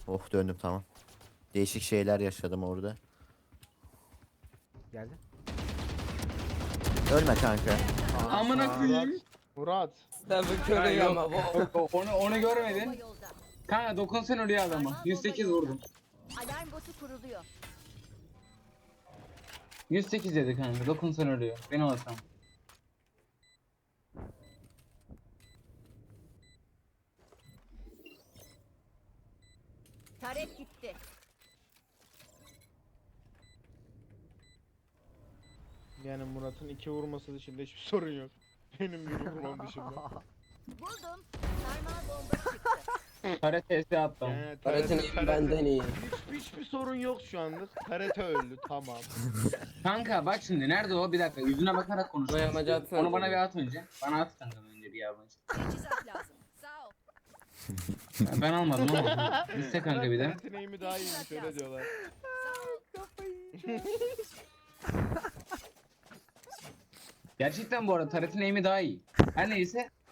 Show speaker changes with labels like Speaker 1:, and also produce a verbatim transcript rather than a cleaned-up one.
Speaker 1: Oh döndüm tamam. Değişik şeyler yaşadım orada.
Speaker 2: Geldi.
Speaker 1: Ölme kanka.
Speaker 3: Amına koyayım.
Speaker 4: Murat.
Speaker 5: Tabii
Speaker 3: Ha,
Speaker 5: körüyor
Speaker 3: yok,
Speaker 5: ama bu.
Speaker 3: yok, o- onu onu görmedin. Kanka dokunsan ölüyor adama. yüz sekiz vurdum.
Speaker 6: Alarm botu kuruluyor.
Speaker 3: yüz sekiz dedi kanka. Dokunsan ölüyor. Benim hatam.
Speaker 6: Taret gitti.
Speaker 4: Yani Murat'ın iki vurması dışında hiçbir sorun yok. Benim bir vurmam dışında.
Speaker 6: Buldum. Sarmal bomba çıktı.
Speaker 3: Kare T S attım.
Speaker 4: Yani
Speaker 5: Öğretim
Speaker 4: T R T
Speaker 5: benden iyi.
Speaker 4: Hiç, hiçbir sorun yok şu anlık. T R T öldü tamam.
Speaker 3: Kanka bak şimdi nerede o? Bir dakika yüzüne bakarak konuş.
Speaker 5: Bu yamacı atsana.
Speaker 3: Onu bana bir at önce. Bana at kanka önce bir yabancı.
Speaker 6: Teçhizat lazım. Sağ ol.
Speaker 3: Ben, ben almadım ama. Liste kanka bir de.
Speaker 4: T R T neyimi daha iyiymiş öyle diyorlar.
Speaker 6: Sağ ol.
Speaker 3: Gerçekten bu arada Taret'in aim'i daha iyi. Her neyse